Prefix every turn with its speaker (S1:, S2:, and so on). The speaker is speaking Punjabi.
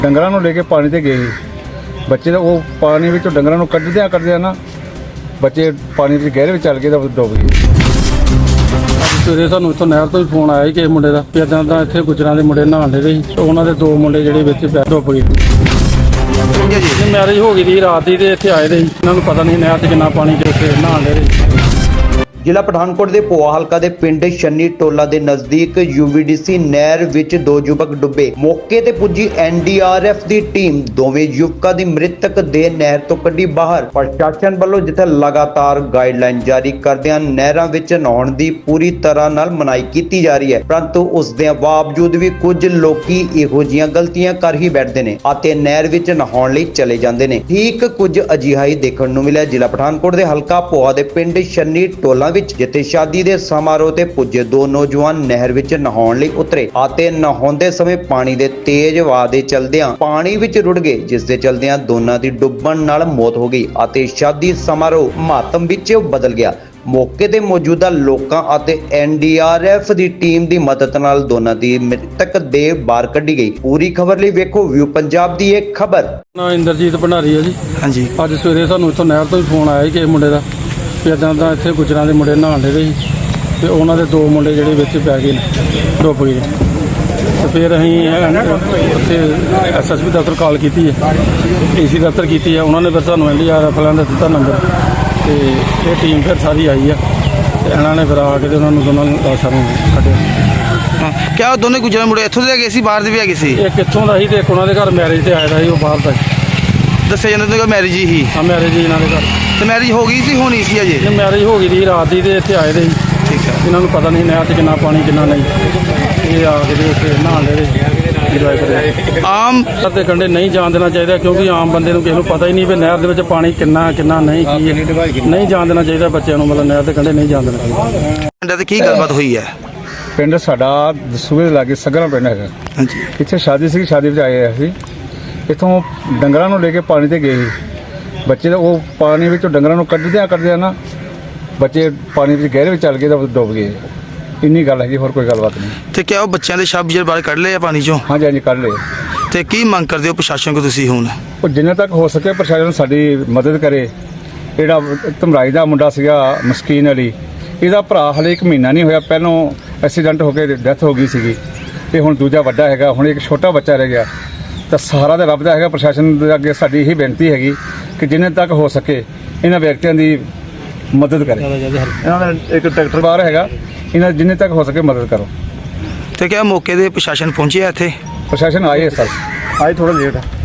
S1: ਡੰਗਰਾਂ ਨੂੰ ਲੈ ਕੇ ਪਾਣੀ ਤੇ ਗਏ ਸੀ। ਬੱਚੇ ਦਾ ਉਹ ਪਾਣੀ ਵਿੱਚੋਂ ਡੰਗਰਾਂ ਨੂੰ ਕੱਢਦਿਆਂ ਨਾ ਬੱਚੇ ਪਾਣੀ ਵਿੱਚ ਗਹਿਰੇ ਵਿੱਚ ਚੱਲ ਗਏ ਤਾਂ ਡੁੱਬ ਗਏ।
S2: ਸਵੇਰੇ ਸਾਨੂੰ ਇੱਥੋਂ ਨਹਿਰ ਤੋਂ ਹੀ ਫੋਨ ਆਇਆ ਕਿ ਮੁੰਡੇ ਦਾ ਇੱਦਾਂ ਦਾ ਇੱਥੇ ਗੁੱਜਰਾਂ ਦੇ ਮੁੰਡੇ ਨਹਾਉਣ ਦੇ ਸੀ। ਉਹਨਾਂ ਦੇ 2 ਮੁੰਡੇ ਜਿਹੜੇ ਵਿੱਚ ਡੁੱਬ ਗਏ। ਮੈਰਿਜ ਹੋ ਗਈ ਸੀ ਰਾਤ ਦੀ ਤੇ ਇੱਥੇ ਆਏ ਦੇ ਸੀ। ਇਹਨਾਂ ਨੂੰ ਪਤਾ ਨਹੀਂ ਨਹਿਰ 'ਚ ਕਿੰਨਾ ਪਾਣੀ ਕਿ ਉੱਥੇ ਨਹਾਉਣ ਦੇ ਸੀ।
S3: ਜ਼ਿਲ੍ਹਾ ਪਠਾਨਕੋਟ ਦੇ ਪੋਆ ਹਲਕਾ ਦੇ ਪਿੰਡ ਸ਼ਨੀ ਟੋਲਾ ਦੇ ਨਜ਼ਦੀਕ UVDC ਨਹਿਰ ਵਿੱਚ 2 ਯੁਵਕ ਡੁੱਬੇ। ਮੌਕੇ ਤੇ ਪੁੱਜੀ NDRF ਦੀ ਟੀਮ ਦੋਵੇਂ ਯੁਵਕਾਂ ਦੀ ਮ੍ਰਿਤਕ ਦੇਹ ਨਹਿਰ ਤੋਂ ਕੱਢੀ ਬਾਹਰ। ਪ੍ਰਸ਼ਾਸਨ ਵੱਲੋਂ ਜਿੱਥੇ ਲਗਾਤਾਰ ਗਾਈਡਲਾਈਨ ਜਾਰੀ ਕਰਦਿਆਂ ਨਹਿਰਾਂ ਵਿੱਚ ਨਹਾਉਣ ਦੀ ਪੂਰੀ ਤਰ੍ਹਾਂ ਨਾਲ ਮਨਾਹੀ ਕੀਤੀ ਜਾ ਰਹੀ ਹੈ, ਪਰੰਤੂ ਉਸ ਦੇ ਬਾਵਜੂਦ ਵੀ ਕੁਝ ਲੋਕੀ ਇਹੋ ਜਿਹੀਆਂ ਗਲਤੀਆਂ ਕਰ ਹੀ ਬੈਠਦੇ ਨੇ ਅਤੇ ਨਹਿਰ ਵਿੱਚ ਨਹਾਉਣ ਲਈ ਚਲੇ ਜਾਂਦੇ ਨੇ। ਠੀਕ ਕੁਝ ਅਜਿਹਾ ਹੀ ਦੇਖਣ ਨੂੰ ਮਿਲਿਆ ਜ਼ਿਲ੍ਹਾ ਪਠਾਨਕੋਟ ਦੇ ਹਲਕਾ ਪੋਆ ਦੇ ਪਿੰਡ ਸ਼ਨੀ ਟੋਲਾ ਵਿੱਚ, ਜਿੱਥੇ ਸ਼ਾਦੀ ਦੇ ਸਮਾਰੋਹ ਤੇ ਪੁੱਜੇ 2 ਨੌਜਵਾਨ ਨਹਿਰ ਵਿੱਚ ਨਹਾਉਣ ਲਈ ਉਤਰੇ ਅਤੇ ਨਹਾਉਂਦੇ ਸਮੇਂ ਪਾਣੀ ਦੇ ਤੇਜ਼ ਵਹਾਅ ਦੇ ਚਲਦਿਆਂ ਪਾਣੀ ਵਿੱਚ ਰੁੜ ਗਏ, ਜਿਸ ਦੇ ਚਲਦਿਆਂ ਦੋਨਾਂ ਦੀ ਡੁੱਬਣ ਨਾਲ ਮੌਤ ਹੋ ਗਈ ਅਤੇ ਸ਼ਾਦੀ ਸਮਾਰੋਹ ਮਾਤਮ ਵਿੱਚ ਬਦਲ ਗਿਆ। ਮੌਕੇ ਤੇ ਮੌਜੂਦਾ ਲੋਕਾਂ ਅਤੇ NDRF ਦੀ ਟੀਮ ਦੀ ਮਦਦ ਨਾਲ ਦੋਨਾਂ ਦੀ ਮ੍ਰਿਤਕ ਦੇਹ ਬਾਹਰ ਕੱਢੀ ਗਈ। ਪੂਰੀ ਖਬਰ ਲਈ ਵੇਖੋ ਵਿਊ ਪੰਜਾਬ ਦੀ ਇਹ ਖਬਰ।
S2: ਨਾ ਇੰਦਰਜੀਤ ਭੰਡਾਰੀ ਹੈ ਜੀ।
S4: ਹਾਂਜੀ,
S2: ਅੱਜ ਸਵੇਰੇ ਸਾਨੂੰ ਇੱਥੋਂ ਨਹਿਰ ਤੋਂ ਹੀ ਫੋਨ ਆਇਆ ਕਿ ਮੁੰਡੇ ਦਾ ਇੱਦਾਂ ਦਾ ਇੱਥੇ ਗੁੱਜਰਾਂ ਦੇ ਮੁੰਡੇ ਨਹਾਉਣ ਦੇ ਸੀ ਤੇ ਉਹਨਾਂ ਦੇ 2 ਮੁੰਡੇ ਜਿਹੜੇ ਵਿੱਚ ਪੈ ਗਏ ਨੇ, ਡੁੱਬ ਗਏ। ਤੇ ਫਿਰ ਅਸੀਂ ਉੱਥੇ SSB ਦਫ਼ਤਰ ਕਾਲ ਕੀਤੀ ਹੈ, AC ਦਫ਼ਤਰ ਕੀਤੀ ਹੈ। ਉਹਨਾਂ ਨੇ ਫਿਰ ਸਾਨੂੰ NDRF ਵਾਲਿਆਂ ਦਾ ਦਿੱਤਾ ਨੰਬਰ ਤੇ ਇਹ ਟੀਮ ਫਿਰ ਸਾਰੀ ਆਈ ਆ ਤੇ ਇਹਨਾਂ ਨੇ ਫਿਰ ਆ ਕੇ ਤੇ ਉਹਨਾਂ ਨੂੰ ਦੋਨਾਂ ਲਾਸ਼ਾਂ ਨੂੰ ਕੱਢਿਆ।
S4: ਕਿਆ ਦੋਨੇ ਗੁਜਰਾਂ ਮੁੰਡੇ ਇੱਥੋਂ ਦੇ ਗਏ ਸੀ, ਬਾਹਰ ਦੇ ਵੀ ਹੈਗੇ ਸੀ?
S2: ਇਹ ਕਿੱਥੋਂ ਦਾ ਸੀ ਤੇ ਇੱਕ ਉਹਨਾਂ ਦੇ ਘਰ ਮੈਰਿਜ ਤੇ ਆਇਆ ਦਾ ਸੀ, ਉਹ ਬਾਹਰ ਦਾ
S4: ਦੱਸਿਆ ਜਾਂਦਾ ਕਿ ਮੈਰਿਜ ਹੀ।
S2: ਹਾਂ, ਮੈਰਿਜ ਇਹਨਾਂ ਦੇ ਘਰ।
S4: ਤੇ ਮੈਰਿਜ ਹੋ ਗਈ ਸੀ, ਹੋਣੀ ਸੀ ਅਜੇ?
S2: ਇਹ ਮੈਰਿਜ ਹੋ ਗਈ ਸੀ ਰਾਤ ਦੀ ਤੇ ਇੱਥੇ ਆਏ ਦੇ ਸੀ।
S4: ਠੀਕ ਹੈ।
S2: ਇਹਨਾਂ ਨੂੰ ਪਤਾ ਨਹੀਂ ਨਹਿਰ 'ਚ ਕਿੰਨਾ ਪਾਣੀ ਕਿੰਨਾ ਨਹੀਂ। ਇਹ ਆ ਕੇ ਉੱਥੇ ਨਹਾਉਣ ਦੇ ਇੰਜੋਏ ਕਰਦੇ।
S4: ਆਮ
S2: ਤੇ ਕੰਢੇ ਨਹੀਂ ਜਾਣ ਦੇਣਾ ਚਾਹੀਦਾ, ਕਿਉਂਕਿ ਆਮ ਬੰਦੇ ਨੂੰ ਕਿਸੇ ਨੂੰ ਪਤਾ ਹੀ ਨਹੀਂ ਵੀ ਨਹਿਰ ਦੇ ਵਿੱਚ ਪਾਣੀ ਕਿੰਨਾ ਨਹੀਂ ਕੀ ਹੈ। ਨਹੀਂ ਜਾਣ ਦੇਣਾ ਚਾਹੀਦਾ ਬੱਚਿਆਂ ਨੂੰ, ਮਤਲਬ ਨਹਿਰ ਦੇ ਕੰਢੇ ਨਹੀਂ ਜਾਣ ਦੇਣਾ ਚਾਹੀਦਾ।
S4: ਪਿੰਡਾਂ ਤੇ ਕੀ ਗੱਲਬਾਤ ਹੋਈ ਹੈ?
S1: ਪਿੰਡ ਸਾਡਾ ਦਸੂਹੇ ਦੇ ਲਾਗੇ ਸਗਰਾ ਪਿੰਡ ਹੈਗਾ।
S4: ਹਾਂਜੀ,
S1: ਇੱਥੇ ਸ਼ਾਦੀ ਸੀ, ਸ਼ਾਦੀ ਵਿੱਚ ਆਏ ਅਸੀਂ। ਇੱਥੋਂ ਡੰਗਰਾਂ ਨੂੰ ਲੈ ਕੇ ਪਾਣੀ ਤੇ ਗਏ ਸੀ। ਬੱਚੇ ਦਾ ਉਹ ਪਾਣੀ ਵਿੱਚੋਂ ਡੰਗਰਾਂ ਨੂੰ ਕੱਢਦਿਆਂ ਨਾ ਬੱਚੇ ਪਾਣੀ ਵਿੱਚ ਗਹਿਰੇ ਵਿੱਚ ਚੱਲ ਗਏ ਤਾਂ ਡੁੱਬ ਗਏ। ਇੰਨੀ ਗੱਲ ਹੈਗੀ, ਹੋਰ ਕੋਈ ਗੱਲਬਾਤ ਨਹੀਂ।
S4: ਤੇ ਕਿਆ ਉਹ ਬੱਚਿਆਂ ਦੇ ਸ਼ਬ ਜਿਹੜੇ ਬਾਹਰ ਕੱਢ ਲਏ ਆ ਪਾਣੀ ਚੋਂ?
S1: ਹਾਂਜੀ ਕੱਢ ਲਏ।
S4: ਤੇ ਕੀ ਮੰਗ ਕਰਦੇ ਹੋ ਪ੍ਰਸ਼ਾਸਨ ਕੋ ਤੁਸੀਂ ਹੁਣ?
S1: ਉਹ ਜਿੰਨੇ ਤੱਕ ਹੋ ਸਕੇ ਪ੍ਰਸ਼ਾਸਨ ਸਾਡੀ ਮਦਦ ਕਰੇ। ਜਿਹੜਾ ਧਮਰਾਈ ਦਾ ਮੁੰਡਾ ਸੀਗਾ ਮਸਕੀਨ ਅਲੀ, ਇਹਦਾ ਭਰਾ ਹਲੇ 1 ਮਹੀਨਾ ਨਹੀਂ ਹੋਇਆ, ਪਹਿਲੋਂ ਐਕਸੀਡੈਂਟ ਹੋ ਕੇ ਡੈਥ ਹੋ ਗਈ ਸੀਗੀ ਤੇ ਹੁਣ ਦੂਜਾ ਵੱਡਾ ਹੈਗਾ, ਹੁਣ ਇੱਕ ਛੋਟਾ ਬੱਚਾ ਰਹਿ ਗਿਆ। ਤਾਂ ਸਹਾਰਾ ਤਾਂ ਰੱਬ ਦਾ ਹੈਗਾ। ਪ੍ਰਸ਼ਾਸਨ ਦੇ ਅੱਗੇ ਸਾਡੀ ਇਹੀ ਬੇਨਤੀ ਹੈਗੀ ਕਿ ਜਿੰਨੇ ਤੱਕ ਹੋ ਸਕੇ ਇਹਨਾਂ ਵਿਅਕਤੀਆਂ ਦੀ ਮਦਦ ਕਰੇ। ਇਹਨਾਂ ਦਾ ਇੱਕ ਟਰੈਕਟਰ ਬਾਹਰ ਹੈਗਾ, ਇਹਨਾਂ ਜਿੰਨੇ ਤੱਕ ਹੋ ਸਕੇ ਮਦਦ ਕਰੋ।
S4: ਤੇ ਕਿਆ ਮੌਕੇ ਦੇ ਪ੍ਰਸ਼ਾਸਨ ਪਹੁੰਚਿਆ ਇੱਥੇ?
S1: ਪ੍ਰਸ਼ਾਸਨ ਆਏ ਸਰ, ਆਏ ਥੋੜਾ ਲੇਟ।